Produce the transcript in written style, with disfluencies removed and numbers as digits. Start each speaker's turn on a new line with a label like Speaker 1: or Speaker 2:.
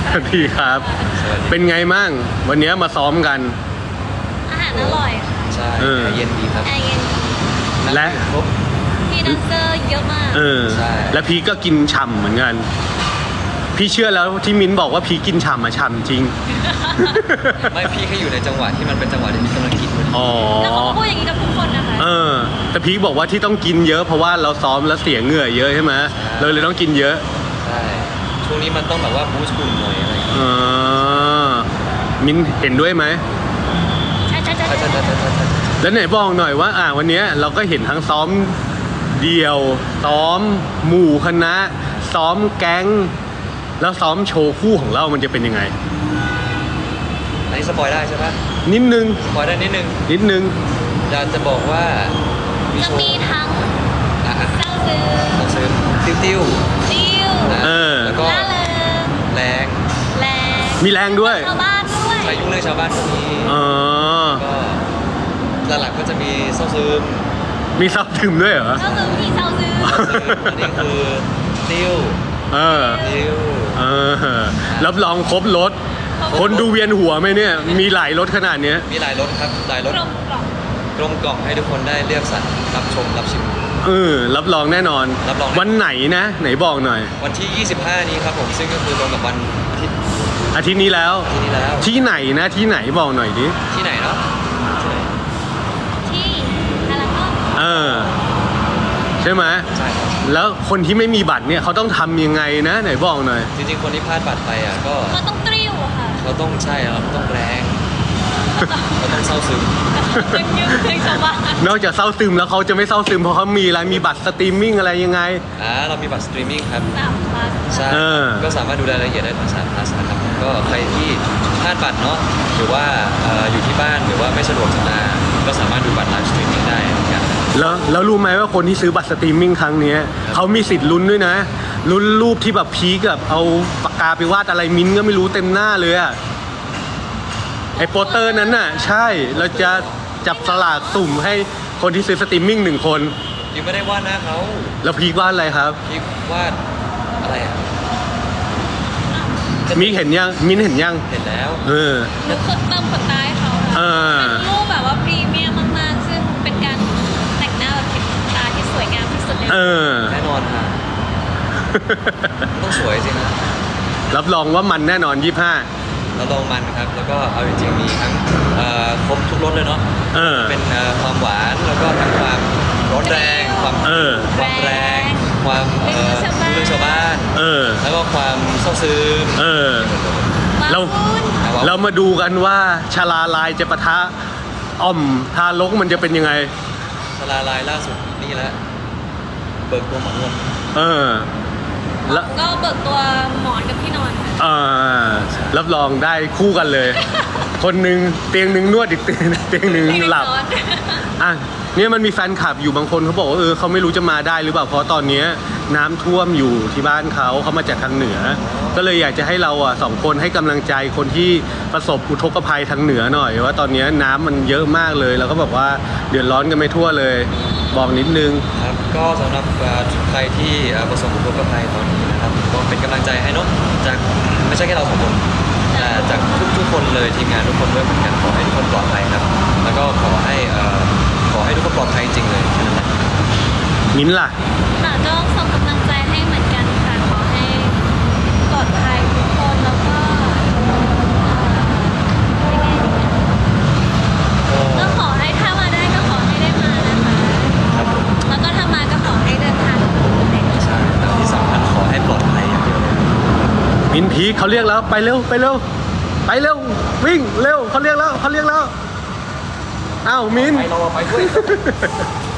Speaker 1: สวัสดีครับ เป็นไงมั่งวันนี้มาซ้อมกัน
Speaker 2: อาหารอร่อยค่ะ
Speaker 3: ใช่แอร์เย็นดีครับ
Speaker 2: แอร์เย็น
Speaker 1: และ
Speaker 3: ครบ
Speaker 2: พี่แดนเซอร์เยอะมาก
Speaker 3: ใช่
Speaker 1: และพีก็กินฉ่ำเหมือนกัน พี่เชื่อแล้วที่มิ้นบอกว่าพีกินฉ่ำอะฉ่ำจริง
Speaker 3: ไม่พี่แค่อยู่ในจังหวะที่มันเป็นจังหวะที่พี่กำลังกินพอดี
Speaker 1: อ๋อ
Speaker 2: แล้วเขาก็พูดอย่างนี้กับทุกคนนะคะ
Speaker 1: แต่พีบอกว่าที่ต้องกินเยอะเพราะว่าเราซ้อมแล้วเสียเหงื่อเยอะใช่ไหมเราเลยต้องกินเยอะ
Speaker 3: ใช่ช่วงนี้มันต้องแบบว่าบูสต์หุ่นหน่อยอะไรอย่างเงี้ย
Speaker 1: อ่ามิ้นเห็นด้วยไหม
Speaker 2: ใช่ใช่ใช่
Speaker 3: ใช่ใช่ใช่ใช่ใช่
Speaker 1: แล้วไหนบอกหน่อยว่าวันนี้เราก็เห็นทั้งซ้อมเดี่ยว ซ้อมหมู่คณะ ซ้อมแก๊ง แล้วซ้อมโชว์คู่ของเรามันจะเป็นยังไง
Speaker 3: อันนี้สปอยได้ใช่ปะ
Speaker 1: นิดนึง
Speaker 3: สปอยได้นิดนึงอยากจะบอกว่ามี
Speaker 2: จะ
Speaker 3: โชว์
Speaker 2: มีทั้ง
Speaker 3: อ่ะ
Speaker 2: เศร้าซึ้ง
Speaker 3: ต้องซื้อติ้ว
Speaker 2: ติ้ว
Speaker 3: ๆนะ แล้วก็
Speaker 2: ล่าเริง
Speaker 3: แรง
Speaker 2: แรง
Speaker 1: มีแรงด้วย
Speaker 2: ชาวบ้านด้วย
Speaker 3: ใครยุ่งเรื่องชาวบ้านคนนี้
Speaker 1: อ๋อ
Speaker 3: ก็หลักๆก็จะมีเศร้าซึม
Speaker 1: มีซับถึมด้วยเหรอ
Speaker 2: เศร้าซึ้งพี่เศร้าซึ้ง
Speaker 3: อันนี้คือติ้ว
Speaker 1: เออ
Speaker 3: ติ้ว
Speaker 1: เออ รับรองครบรถ คนดูเวียนหัวไหมเนี่ย มีหลายรถขนาดเนี้ย
Speaker 3: มีหลายรสครับหลายรส
Speaker 2: กลมกล่อม
Speaker 3: กลมกล่อมให้ทุกคนได้เลือกสรรรับชมรับชิม
Speaker 1: รับรองแน่นอน
Speaker 3: รับรอง
Speaker 1: วันไหนนะ ไหนบอกหน่อย
Speaker 3: วันที่ 25 นี้ครับผมซึ่งก็คือตรงกับวันอาทิตย์
Speaker 1: อาทิตย์นี้แล้ว
Speaker 3: ที่นี้แล้ว
Speaker 1: ที่ไหนนะ ที่ไหนบอกหน่อยดิ
Speaker 3: ที่ไหนเนาะที่ไหน
Speaker 2: ที่อะไรก็
Speaker 1: เออ ใช่ไหม
Speaker 3: ใช่ครับ
Speaker 1: แล้วคนที่ไม่มีบัตรเนี่ยเขาต้องทำยังไงนะ ไหนบอกหน่อย
Speaker 3: จริงๆคนที่พลาดบัตรไปอ่ะก็
Speaker 2: เขาต้องตริ้วอะค่ะ
Speaker 3: เขาต้องใช่ครับต้องแรงเขาต้องเศร้าซึม
Speaker 2: เป็นยืมเพลงชาวบ้าน
Speaker 1: นอกจากเศร้าซึมแล้วเขาจะไม่เศร้าซึมเพราะเขามีอะไรมีบัตรสตรีมมิ่งอะไรยังไง
Speaker 3: เรามีบัตรสตรีมมิ่งครับ
Speaker 2: 3 plus
Speaker 3: ใช่
Speaker 1: เออ
Speaker 3: ก็สามารถดูรายละเอียดได้ทาง3 plus นะครับก็ใครที่พลาดบัตรเนาะหรือว่าอยู่ที่บ้านหรือว่าไม่สะดวกจะมาก็สามารถดูบัตรไลฟ์สตรีมมิ่งได้เหมือนกัน
Speaker 1: แล้วรู้ไหมว่าคนที่ซื้อบัตรสตรีมมิ่งครั้งเนี้ยเขามีสิทธิ์ลุ้นด้วยนะลุ้นรูปที่แบบพีคกับเอาปากกาไปวาดอะไรมิ้นท์ก็ไม่รู้เต็มหน้าเลยอะไอโปสเตอร์นั้นน่ะ ใช่เราจะจับสลากสุ่มให้คนที่ซื้อสตรีมมิ่ง1 คน
Speaker 3: พี่ไม่ได้วาดหน้าเขา
Speaker 1: แล้วพีควาดอะไรครับ
Speaker 3: พี่วาดอะไรอ่ะ
Speaker 1: มิ้นท์เห็นยังมิ้นท์เห็นยัง
Speaker 3: เห็นแล้ว
Speaker 1: เออ
Speaker 2: หนูเติมขนตาให้เขา
Speaker 1: เอ
Speaker 2: ค่ะ
Speaker 1: อ
Speaker 2: เป็นรูปแบบว่าพรีเมียมมากๆ ซึ่งเป็นการแต่งหน้าแบบเข็มขนตาที่สวยงามที่สุดใน
Speaker 1: เออ
Speaker 3: แน่นอนค่ะต้องสวยสินะ
Speaker 1: รับรองว่ามันแน่นอน 25
Speaker 3: แล้วลองมันครับ แล้วก็เอาจริงๆมีทั้งครบทุกรสเลยเนาะ
Speaker 1: เออ
Speaker 3: เป็นความหวานแล้วก็ทั้งความร้อนแรงความ
Speaker 1: เออ
Speaker 3: ความแรงความเรื่องชาวบ้าน
Speaker 1: เออ
Speaker 3: แล้วก็ความเศร้าซึม
Speaker 1: เออ เรา เรามาดูกันว่าชาลาลายจะปะทะอ่อมทารกมันจะเป็นยังไง
Speaker 3: สลาลายล่าสุดนี่แหละเบิกตัวหมอนวด
Speaker 1: เออ แล้ว
Speaker 2: ก็เบิกตัวหมอนกับที่นอนค่ะ
Speaker 1: รับรองได้คู่กันเลย คนหนึ่งเตียงหนึ่งนวดอีกเตียงหนึ่งหลับ
Speaker 2: ไม่ได้นอน
Speaker 1: อ่ะเนี่ยมันมีแฟนคลับอยู่บางคนเขาบอกว่าเขาไม่รู้จะมาได้หรือเปล่าเพราะตอนเนี้ยน้ำท่วมอยู่ที่บ้านเขามาจากทางเหนือ ก็เลยอยากจะให้เรา2 คนให้กำลังใจคนที่ประสบอุทกภัยทางเหนือหน่อยว่าตอนเนี้ยน้ำมันเยอะมากเลยแล้วก็แบบว่าเดือดร้อนกันไม่ทั่วเลย บอกนิดนึง
Speaker 3: ครับก็สำหรับใครที่ประสบอุทกภัยตอนนี้นะครับก็เป็นกำลังใจให้เนอะจากไม่ใช่แค่เรา2 คนแต่จากทุกๆคนเลยทีมงานทุกคนด้วยเหมือนกันขอให้ทุกคนปลอดภัยครับ แล้วก็ขอให้ทุกคนปลอดภัยจริงๆเลยแค่นั้นแหละ
Speaker 1: มิ้นท์ล่ะ
Speaker 2: ค่ะก็ส่งกำลังใจให้เหมือนกันค่ะ ขอให้ปลอดภัยทุกคนแล้วก็ยังไงดีนะก็ขอให้ถ้ามาได้ก็ขอให้ได้มานะคะ
Speaker 3: ครับผม
Speaker 2: แล้วก็ถ้ามาก็ขอให้เดินทางปลอดภัย
Speaker 3: ใช่แล้วที่สำคัญขอให้ปลอดภัยอย่างเดียวเลย
Speaker 1: มิ้นท์พีคเขาเรียกแล้วไปเร็วไปเร็วไปเร็ววิ่งเร็วเขาเรียกแล้วอ้าวมิ้นท์
Speaker 3: ไปเราไปด้วย